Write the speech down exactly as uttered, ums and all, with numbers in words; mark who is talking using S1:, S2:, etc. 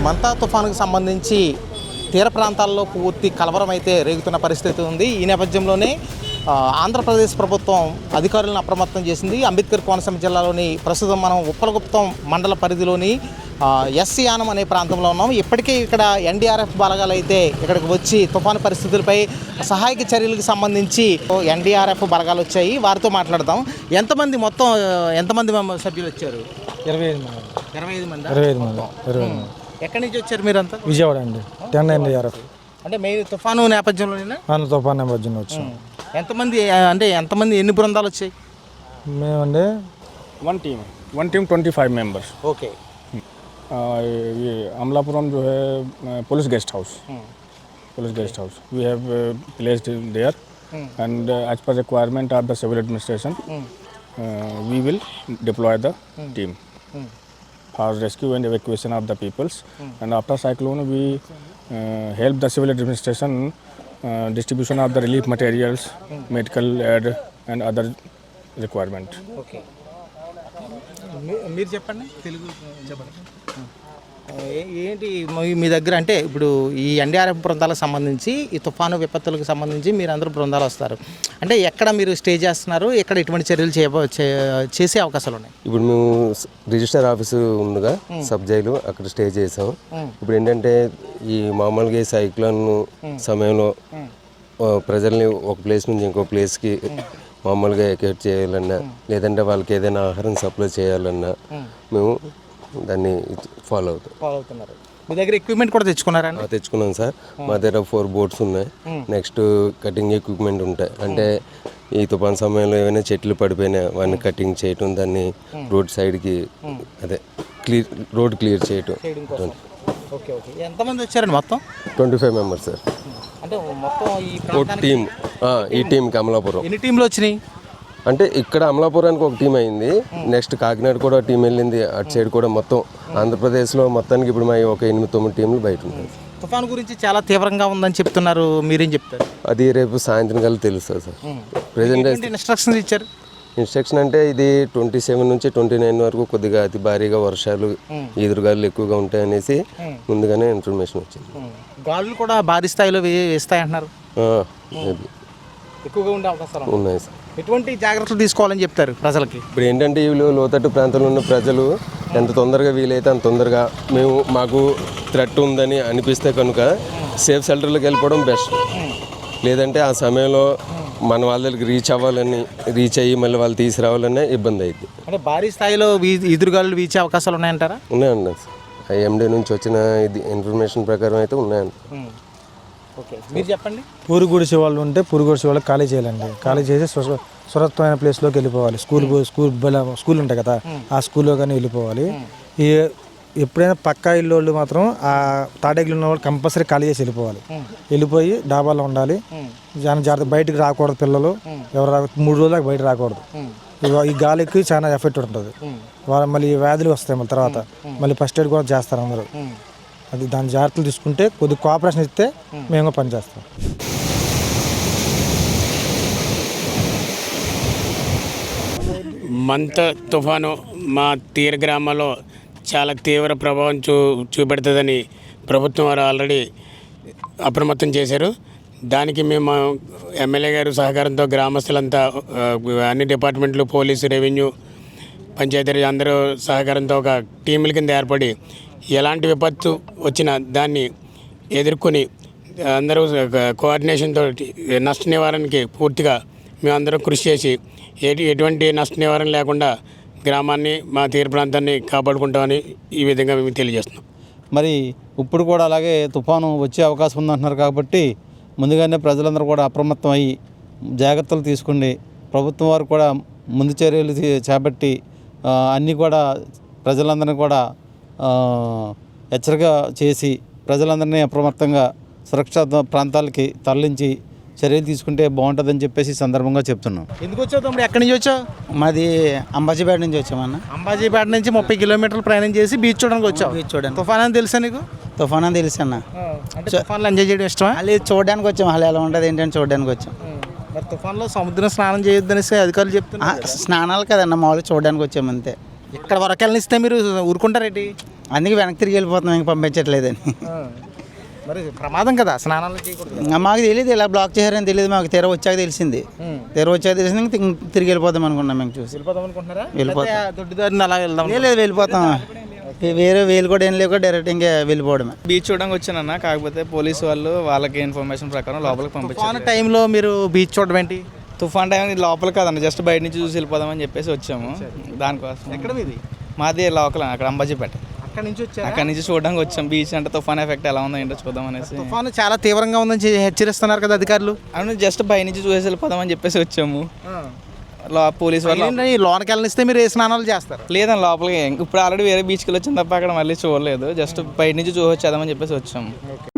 S1: మంతా తుఫానుకు సంబంధించి తీర ప్రాంతాల్లో పూర్తి కలవరం అయితే రేగుతున్న పరిస్థితి ఉంది. ఈ నేపథ్యంలోనే ఆంధ్రప్రదేశ్ ప్రభుత్వం అధికారులను అప్రమత్తం చేసింది. అంబేద్కర్ కోనసీమ జిల్లాలోని ప్రస్తుతం మనం ఉప్పలగుప్తం మండల పరిధిలోని ఎస్ యానం అనే ప్రాంతంలో ఉన్నాం. ఇప్పటికే ఇక్కడ ఎన్డీఆర్ఎఫ్ బలగాలు అయితే ఇక్కడికి వచ్చి తుఫాను పరిస్థితులపై సహాయక చర్యలకు సంబంధించి ఎన్డీఆర్ఎఫ్ బలగాలు వచ్చాయి. వారితో మాట్లాడదాం. ఎంతమంది మొత్తం ఎంతమంది సభ్యులు వచ్చారు?
S2: ఇరవై ఐదు మంది
S1: ఇరవై ఐదు మంది
S2: ఇరవై ఐదు మంది ఇరవై ఐదు మంది
S1: ఎక్కడి నుంచి వచ్చారు మీరంతా?
S2: విజయవాడ అండి. టెన్ ఎన్డీఆర్ఎఫ్
S1: అంటే మెయిన్ తుఫాను నేపథ్యంలోనే
S2: తుఫాన్ నేపథ్యంలో వచ్చాం.
S1: ఎంతమంది అంటే ఎంతమంది ఎన్ని బృందాలు వచ్చాయి?
S2: మేమండి
S3: one team one team twenty five members.
S1: Okay.
S3: ये अमलापुरम जो है police guest house police guest house we have placed there and as per requirement of the civil administration we will deploy the team for rescue and evacuation of the peoples and after cyclone we uh, help the civil administration uh, distribution of the relief materials, medical aid and other requirement.
S1: Okay. మీరు చెప్పండి, తెలుగు చెప్పండి. ఏంటి మీ దగ్గర అంటే ఇప్పుడు ఈ NDRF బృందాలకు సంబంధించి ఈ తుఫాను విపత్తులకు సంబంధించి మీరు అందరూ బృందాలు వస్తారు అంటే ఎక్కడ మీరు స్టే చేస్తున్నారు? ఎక్కడ ఎటువంటి చర్యలు చేసే అవకాశాలు ఉన్నాయి?
S4: ఇప్పుడు మేము రిజిస్టర్ ఆఫీసు ఉందిగా సబ్ జైలు, అక్కడ స్టే చేసాం. ఇప్పుడు ఏంటంటే ఈ మామూలుగా సైక్లోన్ సమయంలో ప్రజల్ని ఒక ప్లేస్ నుంచి ఇంకో ప్లేస్కి మామూలుగా ఎకేట్ చేయాలన్నా లేదంటే వాళ్ళకి ఏదైనా ఆహారం సప్లై చేయాలన్నా మేము దాన్ని ఫాలో అవుతాం
S1: ఫాలో అవుతున్నారు. మీ దగ్గర ఎక్విప్మెంట్ కూడా తెచ్చుకున్నారా?
S4: తెచ్చుకున్నాం సార్. మా దగ్గర ఫోర్ బోట్స్ ఉన్నాయి. నెక్స్ట్ కటింగ్ ఎక్విప్మెంట్ ఉంటాయి. అంటే ఈ తుఫాన్ సమయంలో ఏమైనా చెట్లు పడిపోయినా వాటిని కటింగ్ చేయటం, దాన్ని రోడ్ సైడ్కి అదే క్లియర్ రోడ్ క్లియర్ చేయటం.
S1: Okay okay. ఎంతమంది వచ్చారండి మొత్తం?
S4: Twenty five members sir.
S1: అంటే మొత్తం ఈ
S4: టీమ్ ఈ టీంకి అమలాపురం
S1: ఎన్ని టీంలు వచ్చినాయి?
S4: అంటే ఇక్కడ అమలాపురానికి ఒక టీం అయింది. నెక్స్ట్ కాకినాడ కూడా టీం వెళ్ళింది. అటు సైడ్ కూడా మొత్తం ఆంధ్రప్రదేశ్లో మొత్తానికి ఇప్పుడు మా ఒక ఎనిమిది తొమ్మిది టీంలు బయట ఉన్నాయి.
S1: తుఫాను గురించి చాలా తీవ్రంగా ఉందని చెప్తున్నారు, మీరేం చెప్తారు?
S4: అది రేపు సాయంత్రం కల్లా తెలుస్తుంది సార్. ప్రెజెంట్
S1: ఇన్స్ట్రక్షన్స్ ఇచ్చారు.
S4: ఇన్స్ట్రక్షన్ అంటే ఇది ట్వంటీ సెవెన్ నుంచి ట్వంటీ నైన్ వరకు కొద్దిగా అతి భారీగా వర్షాలు ఎదురుగాలు ఎక్కువగా ఉంటాయనేసి ముందుగానే ఇన్ఫర్మేషన్ వచ్చింది.
S1: గాలులు కూడా భారీ స్థాయిలో వేస్తాయంటున్నారు. ఎక్కువగా ఉండే అవకాశాలు
S4: ఉన్నాయి సార్.
S1: ఎటువంటి జాగ్రత్తలు తీసుకోవాలని చెప్తారు ప్రజలకి?
S4: ఇప్పుడు ఏంటంటే వీళ్ళు లోతట్టు ప్రాంతంలో ఉన్న ప్రజలు ఎంత తొందరగా వీలైతే అంత తొందరగా మేము మాకు థ్రెట్ ఉందని అనిపిస్తే కనుక సేఫ్ షెల్టర్లోకి వెళ్ళిపోవడం బెస్ట్. లేదంటే ఆ సమయంలో మన వాళ్ళకి రీచ్ అవ్వాలని రీచ్ అయ్యి మళ్ళీ వాళ్ళు తీసుకురావాలనే ఇబ్బంది అయింది.
S1: అంటే భారీ స్థాయిలో ఎదురుగాలు వీచే అవకాశాలు ఉన్నాయంటారా?
S4: ఉన్నాయండి. ఐఎండీ నుంచి వచ్చిన ఇది ఇన్ఫర్మేషన్ ప్రకారం అయితే ఉన్నాయండి.
S1: ఓకే, మీరు చెప్పండి.
S2: పూరు గుడిసే వాళ్ళు ఉంటే పూరు గుడిసే వాళ్ళకి ఖాళీ చేయాలండి. ఖాళీ చేసి సురక్షితమైన ప్లేస్లోకి వెళ్ళిపోవాలి. స్కూల్ స్కూల్ స్కూల్ ఉంటాయి కదా, ఆ స్కూల్లో కానీ వెళ్ళిపోవాలి. ఈ ఎప్పుడైనా పక్కా ఇల్లు వాళ్ళు మాత్రం ఆ తాటేగిలు ఉన్న వాళ్ళు కంపల్సరీ ఖాళీ చేసి వెళ్ళిపోవాలి. వెళ్ళిపోయి డాబాలో ఉండాలి. చాలా జాగ్రత్త, బయటకు రాకూడదు. పిల్లలు ఎవరు రా మూడు రోజులకు బయట రాకూడదు. ఈ గాలికి చాలా ఎఫెక్ట్ ఉంటుంది. వాళ్ళు మళ్ళీ వ్యాధులు వస్తాయి. మళ్ళీ తర్వాత మళ్ళీ ఫస్ట్ ఎయిడ్ కూడా చేస్తారు అందరూ. అది దాని జాగ్రత్తలు తీసుకుంటే కొద్దిగా కోఆపరేషన్ ఇస్తే మేము పనిచేస్తాం.
S5: మంత తుఫాను మా తీర గ్రామాల్లో చాలా తీవ్ర ప్రభావం చూ చూపెడుతుందని ప్రభుత్వం వారు ఆల్రెడీ అప్రమత్తం చేశారు. దానికి మేము ఎమ్మెల్యే గారు సహకారంతో గ్రామస్తులంతా అన్ని డిపార్ట్మెంట్లు, పోలీసు, రెవెన్యూ, పంచాయతీ అందరూ సహకారంతో ఒక టీముల కింద ఏర్పడి ఎలాంటి విపత్తు వచ్చినా దాన్ని ఎదుర్కొని అందరూ కోఆర్డినేషన్తో నష్ట నివారణకి పూర్తిగా మేమందరం కృషి చేసి ఎటు ఎటువంటి నష్ట నివారణ లేకుండా గ్రామాన్ని, మా తీర ప్రాంతాన్ని కాపాడుకుంటామని ఈ విధంగా మేము తెలియజేస్తున్నాం.
S6: మరి ఇప్పుడు కూడా అలాగే తుఫాను వచ్చే అవకాశం ఉందంటున్నారు కాబట్టి ముందుగానే ప్రజలందరూ కూడా అప్రమత్తం అయ్యి జాగ్రత్తలు తీసుకుని ప్రభుత్వం వారు కూడా ముందు చర్యలు చేపట్టి అన్నీ కూడా ప్రజలందరినీ కూడా హెచ్చరిక చేసి ప్రజలందరినీ అప్రమత్తంగా సురక్షిత ప్రాంతాలకి తరలించి చర్యలు తీసుకుంటే బాగుంటుందని చెప్పేసి సందర్భంగా చెప్తున్నాం.
S1: ఎందుకు వచ్చావు తమ్ముడు? ఎక్కడి నుంచి వచ్చావు?
S7: మాది అంబాజీపేట నుంచి వచ్చామన్న.
S1: అంబాజీపేట నుంచి ముప్పై కిలోమీటర్లు ప్రయాణం చేసి బీచ్ చూడడానికి వచ్చావు.
S7: బీచ్ చూడండి.
S1: తుఫాన్ అని తెలుసా నీకు?
S7: తుఫాన్ అని తెలుసు అన్న.
S1: అంటే తుఫాన్లో ఎంజాయ్ చేయడం ఇష్టమా?
S7: అది చూడడానికి వచ్చాం. అలా ఎలా ఉంటుంది ఏంటని చూడడానికి వచ్చాం.
S1: మరి తుఫాన్లో సముద్రం స్నానం చేయొద్దనేసి అధికారులు చెప్తున్నారు.
S7: స్నానాలు కదన్న, మామూలుగా చూడడానికి వచ్చాము అంతే.
S1: ఇక్కడ వరకు వెళ్ళనిస్తే మీరు ఊరుకుంటారేంటి?
S7: అందుకే వెనక్కి తిరిగి వెళ్ళిపోతున్నాం, ఇంక పంపించట్లేదని.
S1: మరి ప్రమాదం కదా స్నానాలు చేయకూడదు.
S7: ఇంకా మాకు తెలియదు ఇలా బ్లాక్ చేశారని తెలియదు, మాకు తెర వచ్చాక తెలిసింది. తెర వచ్చాక తెలిసింది, ఇంక తిరిగి- తిరిగి వెళ్ళిపోతాం అనుకున్నాం మేము చూసి.
S1: వెళ్ళిపోదాం అనుకుంటున్నారా?
S7: వెళ్ళిపోతాం.
S1: లేకపోతే దొడ్డిదారిని అలా వెళ్దాం?
S7: లేదు వెళ్ళిపోతాం, వేరే వేలు కూడా ఏం లేక డైరెక్ట్ ఇంకా వెళ్ళిపోవడమే.
S8: బీచ్ చూడడానికి వచ్చానన్న, కాకపోతే పోలీసు వాళ్ళు వాళ్ళకి ఇన్ఫర్మేషన్ ప్రకారం లోపలికి పంపించారు.
S1: తుఫాను టైంలో మీరు బీచ్ చూడడం ఏంటి?
S8: తుఫాన్ టైం లోపల కాదన్న, జస్ట్ బయట నుంచి చూసి వెళ్ళిపోదామని చెప్పేసి వచ్చాము. దానికోసం
S1: ఎక్కడ మీది?
S8: మాది లోకల్ అక్కడ అంబాజీపేట,
S1: అక్కడ నుంచి వచ్చారా?
S8: అక్కడ నుంచి చూడడానికి వచ్చాం. బీచ్ అంటే తుఫాన్ ఎఫెక్ట్ ఎలా ఉందో ఏంటో చూద్దాం అనేసి.
S1: తుఫాను చాలా తీవ్రంగా ఉందని చె- హెచ్చరిస్తున్నారు కదా అధికారులు.
S8: అవును, జస్ట్ బయట నుంచి చూసేసి వెళ్ళిపోదామని చెప్పేసి వచ్చాము. లో పోలీసు వాళ్ళు
S1: ఏంటంటే ఈ లోనకి వెళ్ళనిస్తే మీరు ఏ స్నానాలు చేస్తారు?
S8: లేదని లోపలికి ఇప్పుడు ఆల్రెడీ వేరే బీచ్కి వెళ్ళి వచ్చింది తప్ప అక్కడ మళ్ళీ చూడలేదు. జస్ట్ బయట నుంచి చూసి వచ్చేద్దామని చెప్పేసి వచ్చాము.